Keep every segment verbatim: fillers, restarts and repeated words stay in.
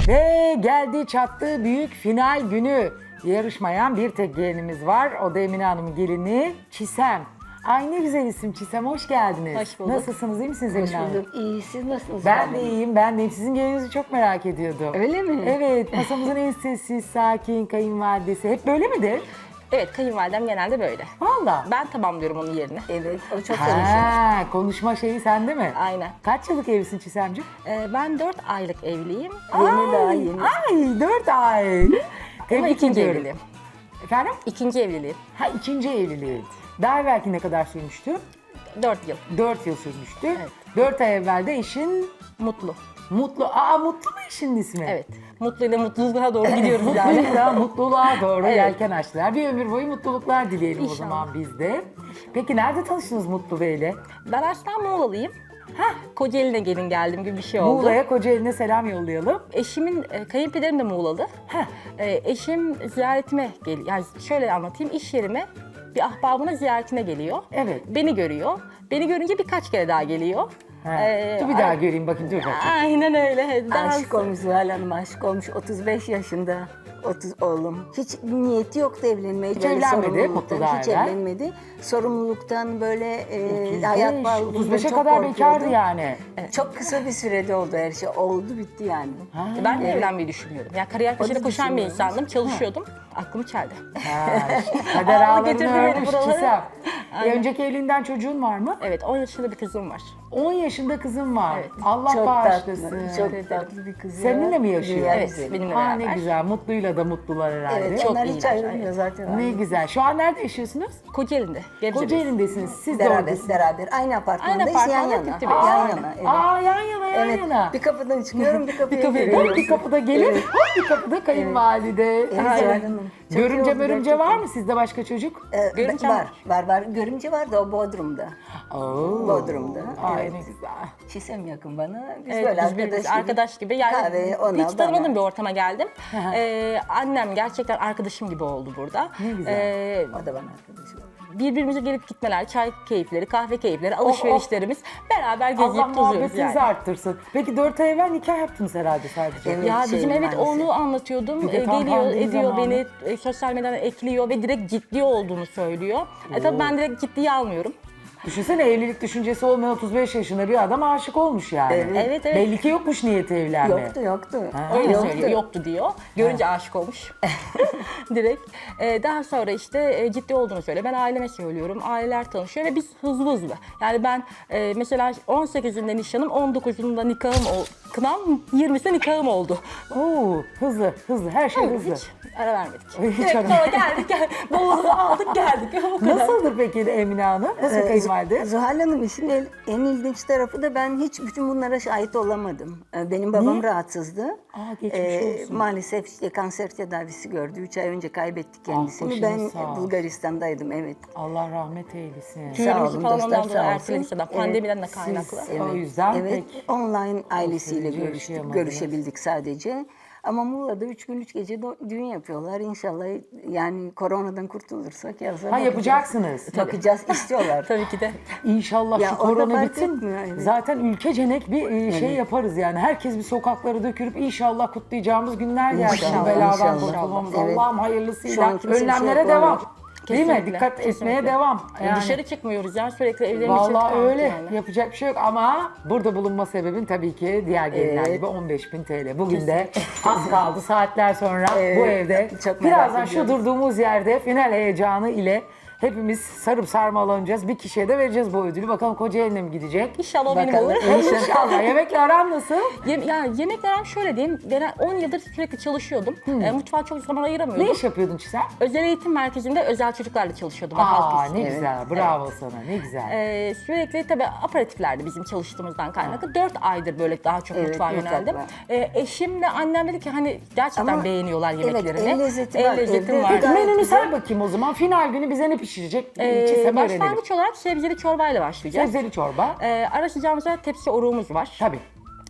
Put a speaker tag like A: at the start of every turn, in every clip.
A: Ve geldi çattı büyük final günü. Yarışmayan bir tek gelinimiz var. O da Emine Hanım'ın gelini Çisem. Ay ne güzel isim Çisem, hoş geldiniz.
B: Hoş bulduk.
A: Nasılsınız, iyi misiniz Emine Hanım?
B: Hoş bulduk. İyi, siz nasılsınız?
A: Ben de iyiyim, ben de iyiyim. Sizin gelinizi çok merak ediyordum.
B: Öyle mi?
A: Evet, masamızın en sessiz, sakin kayınvalidesi. Hep böyle midir?
C: Evet, kayınvalidem genelde böyle.
A: Valla.
C: Ben tamamlıyorum onun yerine.
B: Evet, o çok konuşuyor.
A: Ha, konuşma şeyi sende mi?
C: Aynen.
A: Kaç yıllık evlisin Çisemciğim?
C: Ee, ben dört aylık evliyim.
B: Yeni daha yeni.
A: Ay, dört ay.
C: Ama
A: Tebrik
C: ikinci
A: ediyorum.
C: evliliğim.
A: Efendim?
C: İkinci evliliğim.
A: Ha, ikinci evliliği. Daha evvelki ne kadar sürmüştü?
C: Dört yıl.
A: Dört yıl sürmüştü.
C: Evet.
A: Dört ay evvel de eşin
C: Mutlu.
A: Mutlu. Aa, Mutlu mu eşinin ismi?
C: Evet. Mutluyla mutluluğa doğru gidiyoruz yani.
A: Mutluluğa, mutluluğa doğru
C: Evet.
A: yelken açtılar. Bir ömür boyu mutluluklar dileyelim
C: İnşallah.
A: o zaman biz de. Peki nerede tanıştınız Mutlu Bey'le?
C: Ben aslen Muğla'lıyım. Hah, Kocaeli'ne gelin geldim gibi bir şey oldu.
A: Muğla'ya, Kocaeli'ne selam yollayalım.
C: Eşimin, e, kayınpederim de Muğlalı.
A: Heh.
C: E, eşim ziyaretime geliyor. Yani şöyle anlatayım, iş yerime bir ahbabına ziyaretine geliyor.
A: Evet.
C: Beni görüyor. Beni görünce birkaç kere daha geliyor.
A: Ha.
C: Ee,
A: dur bir daha göreyim bakayım, dur bakayım.
C: Aynen öyle. Daha
B: Aşık olmuş Zuhal Hanım, aşık olmuş. otuz beş yaşında. otuz oğlum. Hiç niyeti yoktu evlenmeye.
A: Hiç
B: Böyle
A: evlenmedi,
B: sorumluluktan,
A: Mutlu daha
B: hiç
A: evvel.
B: evlenmedi. Sorumluluktan böyle e,
A: otuz beş,
B: hayat bağlılığından
A: otuz beşe
B: çok
A: kadar
B: korkuyordu.
A: bekardı yani.
B: Çok kısa bir sürede oldu her şey. Oldu bitti yani.
C: Ben de evlenmeyi düşünmüyordum. Yani kariyer peşinde
B: da
C: koşan bir
B: düşünüyorum.
C: insandım. Çalışıyordum. Aklım çeldi.
A: Ha, kader
C: Aldı
A: ağlarını
C: götürdü beni
A: örmüş
C: buralara.
A: Çisem. E,
C: Aynen.
A: önceki evliliğinden çocuğun var mı?
C: Evet, on yaşında bir kızım var.
A: on yaşında kızım var.
C: Evet.
A: Allah
B: Çok
A: bağışlasın.
B: tatlı, çok tatlı bir kız.
A: Seninle
B: ya.
A: mi yaşıyor?
B: Dünya
C: Evet,
B: güzeli.
C: benimle
A: Ha, ne
C: beraber.
A: güzel. Mutluyla da mutlular herhalde.
B: Evet,
C: Çok
B: onlar hiç
C: iyiler,
B: ayrılmıyor
C: evet.
B: zaten.
A: Ne güzel. Şu an nerede yaşıyorsunuz?
C: Kocaeli'nde. Gebze'de.
A: Kocaeli'ndesiniz. Siz de
B: Beraber,
A: oradasınız.
B: beraber. Aynı apartmandayız,
C: Aynı
B: yan
C: apartmanda
B: yana.
C: bitti
B: Yan
C: benim.
B: yana, evet.
A: Aa, yan yana yan
B: Evet,
A: yana.
B: bir kapıdan çıkıyorum, bir kapıya
C: kapıya
B: giriyorum.
A: Bir kapıda gelin, bir kapıda kayınvalide.
B: Evet,
A: Güzel.
B: Zuhal Hanım. Çok iyi
A: Görümce
B: oldu
A: mörümce
B: gerçekten.
A: var mı sizde başka çocuk?
B: Ee,
C: Görümcem
B: var, var, var. Görümce var da o Bodrum'da.
A: Oo.
B: Bodrum'da.
A: Ay
B: Evet.
A: ne güzel.
B: Çisem yakın bana. Biz
C: Evet,
B: böyle
C: biz
B: arkadaş
C: birbirimiz
B: gibi.
C: arkadaş gibi. Yani
B: Kahve, ona,
C: hiç tanımadığım
B: bana.
C: bir ortama geldim. ee, annem gerçekten arkadaşım gibi oldu burada.
A: Ne güzel.
C: Ee,
B: O da bana arkadaş oldu.
C: birbirimize gelip gitmeler, çay keyifleri, kahve keyifleri, alışverişlerimiz. Beraber gezip
A: Allah
C: tozuyoruz
A: muhabbetinizi
C: yani.
A: arttırsın. Peki dört ay evvel nikah yaptınız herhalde sadece.
B: Evet.
C: Ya
B: şey
C: bizim evet
B: maalesef.
C: onu anlatıyordum.
A: Bir de
C: Ee,
A: tam
C: geliyor,
A: pandemi
C: ediyor
A: zamanı.
C: beni e, sosyal medyadan ekliyor ve direkt ciddi olduğunu söylüyor. E tabii ben direkt ciddiye almıyorum.
A: Düşünsene, evlilik düşüncesi olmayan otuz beş yaşında bir adam aşık olmuş yani.
B: Evet.
C: Evet, evet.
A: Belli ki yokmuş niyeti evlenme.
B: Yoktu, yoktu.
C: Öyle
B: Yoktu.
C: söylüyor, yoktu diyor. Görünce aşık olmuş. Direkt. Ee, daha sonra işte e, ciddi olduğunu söylüyor. Ben aileme söylüyorum. Aileler tanışıyor ve biz hızlı hızlı. Yani ben e, mesela on sekizinde nişanım, on dokuzunda nikahım, ol, kınam, yirmisinde nikahım oldu.
A: Oo, hızlı, hızlı. Her şey hızlı.
C: Hiç ara vermedik.
A: Hiç
C: Direkt
A: ara-
C: sonra geldik, gel, bavulumu aldık geldik. O kadar.
A: Nasıldır peki Emine Hanım? Nasıl
B: Ee,
A: kayınvalide?
B: Zuhal Hanım işin el- en ilginç tarafı da ben hiç bütün bunlara şahit olamadım. Ee, Benim babam rahatsızdı.
A: Aa, geçmiş olsun.
B: Maalesef işte kanser tedavisi gördü. Üç ay önce kaybettik kendisini.
A: başınız
B: ben
A: sağ olsun.
B: Bulgaristan'daydım, evet.
A: Allah rahmet eylesin.
B: Sağ
C: Düğünümüzü
B: olun
C: falan
B: dostlar,
C: ondan sonra
B: sağ
C: erteledik
B: olsun.
C: zaten. Pandemiden de kaynaklı.
A: Siz o yüzden
B: Evet,
A: pek
B: online ailesiyle
A: süreci
B: görüştük,
A: yaşayamadınız.
B: görüşebildik sadece. Ama Muğla'da üç gün üç gece do- düğün yapıyorlar. İnşallah yani koronadan kurtulursak yazar.
A: Ha, yapacaksınız.
B: Bakacağız, istiyorlar.
C: Tabii ki de.
A: İnşallah
B: Ya
A: şu
B: orada
A: korona
B: fark
A: bitsin.
B: etmiyor, evet.
A: Zaten ülkecenek bir e, şey yaparız yani. Herkes bir sokaklara dökülüp inşallah kutlayacağımız günler gelsin.
B: İnşallah,
A: Bu beladan
B: inşallah.
A: kurtulmamız.
B: Evet.
A: Allah'ım
B: Şu
A: hayırlısıyla.
B: an kimse bir şey
A: Önlemlere
B: yapamıyor.
A: devam. Değil mi?
C: Kesinlikle,
A: Dikkat etmeye
C: kesinlikle.
A: devam. Yani.
C: Dışarı çıkmıyoruz yani sürekli evlerin içinde
A: Vallahi
C: kaldık
A: öyle.
C: yani.
A: Yapacak bir şey yok ama burada bulunma sebebin tabii ki diğer gelinler
B: Evet.
A: gibi on beş bin T L. Bugün de az kaldı saatler sonra bu evde.
B: Çok merak
A: Birazdan şu
B: ediyorum.
A: durduğumuz yerde final heyecanı ile hepimiz sarıp sarmalanacağız. Bir kişiye de vereceğiz bu ödülü. Bakalım Kocaeli'ne mi gidecek?
C: İnşallah o benim
B: Bakalım.
C: olur.
A: İnşallah. Yemekle aran nasıl?
C: Yem, yani yemekler aram şöyle diyeyim, ben on yıldır sürekli çalışıyordum. E, mutfağa çok zaman ayıramıyordum.
A: Ne iş yapıyordun Çisem?
C: Özel eğitim merkezinde özel çocuklarla çalışıyordum. halk
A: Aa
C: lisesi.
A: ne güzel. Bravo sana. Ne güzel.
C: Ee, sürekli tabii aperatiflerdi bizim çalıştığımızdan kaynaklı. Dört aydır böyle daha çok
B: Evet,
C: mutfağa
B: mutfak
C: yöneldim.
B: var.
C: Ee, eşimle annem dedi ki hani gerçekten
B: Ama
C: beğeniyorlar
B: evet,
C: yemeklerimi.
B: el lezzeti var,
C: lezzetim
B: evde
C: var.
B: gayet
A: Menünü
B: güzel.
A: say bakayım o zaman. Final günü bize ne pişirecek?
C: Ee,
A: Çisem'i öğrenelim.
C: başlangıç olarak sebzeli çorbayla başlayacağız.
A: Sebzeli çorba.
C: Ee, ara sıcağımıza tepsi oruğumuz var.
A: Tabii.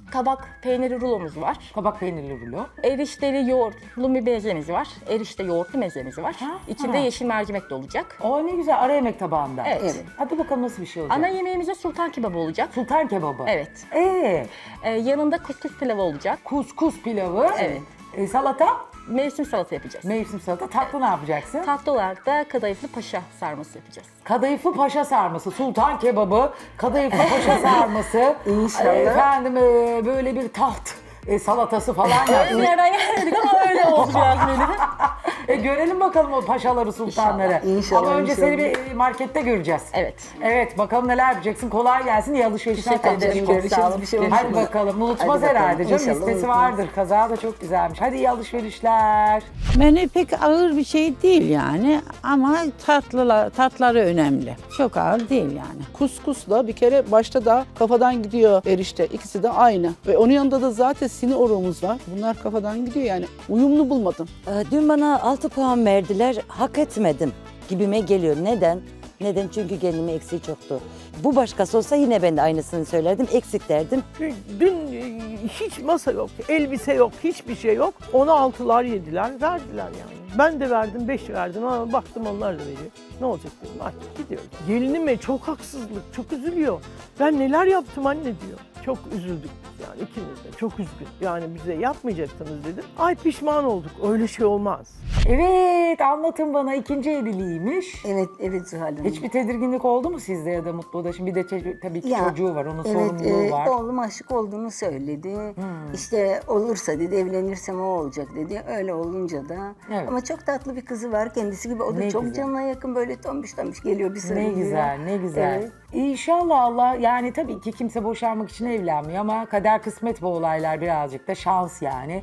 C: Kabak peyniri rulomuz var.
A: Kabak peynirli rulo.
C: Erişteli yoğurtlu bir mezemiz var. Erişte yoğurtlu mezemiz var.
A: Ha,
C: İçinde
A: ha.
C: yeşil mercimek de olacak.
A: O ne güzel, ara yemek tabağında.
C: Evet.
B: Evet.
A: Hadi bakalım nasıl bir şey olacak.
C: Ana yemeğimizde sultan kebabı olacak.
A: Sultan kebabı.
C: Evet.
A: Ee,
C: Ee, yanında kuskus pilavı olacak.
A: kuskus pilavı.
C: Evet.
A: E, salata,
C: Mevsim salata yapacağız.
A: mevsim salata. Tatlı ne yapacaksın?
C: Tatlı olarak da kadayıflı paşa sarması yapacağız.
A: Kadayıflı paşa sarması, sultan kebabı, kadayıflı paşa sarması.
B: İnşallah.
A: E, Efendim e, böyle bir taht e, salatası falan yapsın.
C: Nereden gelmedik ama öyle oldu biraz benim.
A: E, görelim bakalım o paşaları, sultanları.
B: İnşallah, inşallah,
A: Ama önce seni
B: inşallah.
A: bir e, markette göreceğiz.
C: Evet.
A: Evet, bakalım neler yapacaksın. Kolay gelsin. İyi alışverişler.
C: Teşekkür ederim.
A: tatlım.
C: Çok sağ olun.
B: Bir şey
A: Hadi
B: unutma.
A: bakalım. Unutmaz
B: Hadi bakalım.
A: herhalde canım.
B: İnşallah
A: Listesi
B: unutmaz.
A: vardır. Kaza da çok güzelmiş. Hadi iyi alışverişler.
D: Menü pek ağır bir şey değil yani ama tatlılar, tatları önemli. Çok ağır değil yani.
E: Kuskusla bir kere başta da kafadan gidiyor erişte. İkisi de aynı. Ve onun yanında da zaten sini oruğumuz var. Bunlar kafadan gidiyor yani. Uyumlu bulmadım.
F: Ee, Dün bana altı puan verdiler, hak etmedim gibime geliyor. Neden? Neden? Çünkü gelinimin eksiği çoktu. Bu başkası olsa yine ben de aynısını söylerdim, eksik derdim.
G: Dün e, hiç masa yok, elbise yok, hiçbir şey yok. Ona altılar yediler, verdiler yani. Ben de verdim, beş verdim ama baktım onlar da veriyor. Ne olacak dedim, artık gidiyoruz. Gelinime çok haksızlık, çok üzülüyor. Ben neler yaptım anne diyor. Çok üzüldük yani ikimiz de, çok üzgün. Yani bize yapmayacaktınız dedim. Ay pişman olduk, öyle şey olmaz.
A: Evet, anlatın bana, ikinci evliliğiymiş.
B: Evet, evet Zuhal Hanım.
A: Hiçbir tedirginlik oldu mu sizde ya da Mutlu'da? Şimdi bir de çocuk- tabii ki
B: Ya,
A: çocuğu var, onun
B: evet,
A: sorumluluğu
B: e,
A: var.
B: oğlum aşık olduğunu söyledi.
A: Hmm.
B: İşte olursa dedi, evlenirsem o olacak dedi. Öyle olunca da.
A: Evet.
B: Ama çok tatlı bir kızı var kendisi gibi. O da
A: Ne
B: çok
A: güzel.
B: canına yakın, böyle tombiş tombiş geliyor bir
A: Ne
B: sarılıyor.
A: güzel, ne güzel.
B: Evet.
A: İnşallah Allah, yani tabii ki kimse boşanmak için evlenmiyor ama kader kısmet bu olaylar, birazcık da şans yani.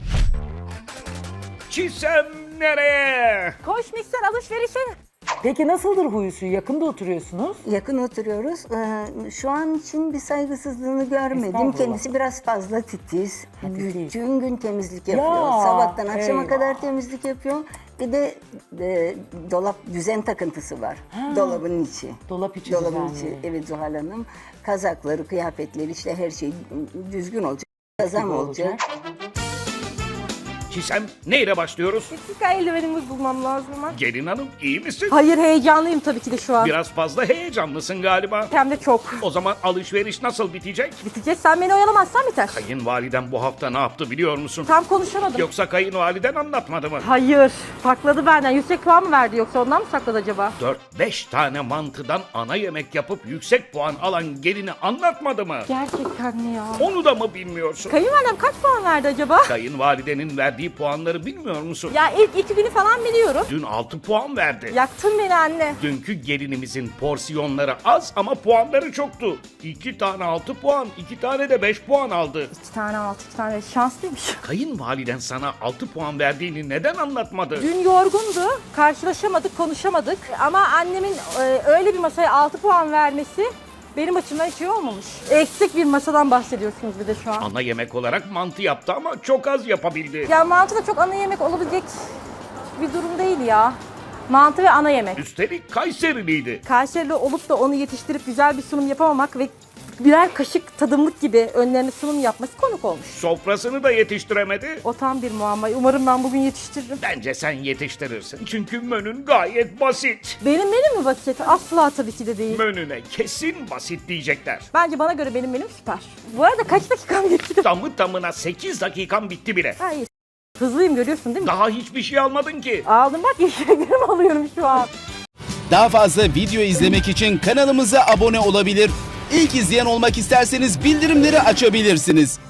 H: Çisem nereye?
C: Koş mikser alışverişe.
A: Peki nasıldır huyu suyu? Yakında oturuyorsunuz.
B: Yakın oturuyoruz. Ee, şu an için bir saygısızlığını görmedim.
A: Estağfurullah.
B: Kendisi biraz fazla titiz.
A: titiz.
B: Bütün gün temizlik yapıyor.
A: Ya,
B: Sabahtan akşama
A: eyvah.
B: kadar temizlik yapıyor. Bir de e, dolap düzen takıntısı var. Dolabın içi.
A: Dolap içi
B: Dolabın
A: düzenli.
B: içi. Evet Zuhal Hanım. Kazakları, kıyafetleri, işte her şey düzgün olacak. Kazan olacak.
A: olacak.
H: Çisem neyle başlıyoruz?
C: Dakika eldivenimiz bulmam lazım ama.
H: Gelin hanım iyi misin?
C: Hayır heyecanlıyım tabii ki de şu an.
H: Biraz fazla heyecanlısın galiba.
C: Hem de çok.
H: O zaman alışveriş nasıl bitecek?
C: Bitecek, sen beni oyalamazsan biter.
H: Kayınvaliden bu hafta ne yaptı biliyor musun?
C: Tam konuşamadım.
H: Yoksa kayınvaliden anlatmadı mı?
C: Hayır. Sakladı benden. Yüksek puan mı verdi yoksa ondan mı sakladı acaba?
H: dört beş tane mantıdan ana yemek yapıp yüksek puan alan gelini anlatmadı mı?
C: Gerçekten mi ya?
H: Onu da mı bilmiyorsun?
C: Kayınvalidem kaç puan verdi acaba?
H: Kayınvalidenin verdiği puanları bilmiyor musun?
C: Ya ilk iki günü falan biliyorum.
H: Dün altı puan verdi.
C: Yaktın beni anne.
H: Dünkü gelinimizin porsiyonları az ama puanları çoktu. İki tane altı puan, iki tane de beş puan aldı.
C: İki tane altı, iki tane şanslıymış.
H: Kayınvaliden sana altı puan verdiğini neden anlatmadı?
C: Dün yorgundu. Karşılaşamadık, konuşamadık. Ama annemin e, öyle bir masaya altı puan vermesi benim açımdan hiç iyi olmamış. Eksik bir masadan bahsediyorsunuz bir de şu an.
H: Ana yemek olarak mantı yaptı ama çok az yapabildi.
C: Ya mantı da çok ana yemek olabilecek bir durum değil ya. Mantı ve ana yemek.
H: Üstelik Kayseriliydi.
C: Kayseri'li olup da onu yetiştirip güzel bir sunum yapamamak ve birer kaşık tadımlık gibi önlerine sunum yapması konuk olmuş.
H: Sofrasını da yetiştiremedi.
C: O tam bir muamma. Umarım ben bugün yetiştiririm.
H: Bence sen yetiştirirsin. Çünkü menün gayet basit.
C: Benim menüm mü basit? Asla tabii ki de değil.
H: Menüne kesin basit diyecekler.
C: Bence bana göre benim menüm süper. Bu arada kaç dakikam geçti?
H: Tamı tamına sekiz dakikan bitti bile.
C: Ha iyi. Hızlıyım görüyorsun değil mi?
H: Daha hiçbir şey almadın ki.
C: Aldım bak yeşilliklerimi alıyorum şu an.
I: Daha fazla video izlemek için kanalımıza abone olabilir. İlk izleyen olmak isterseniz bildirimleri açabilirsiniz.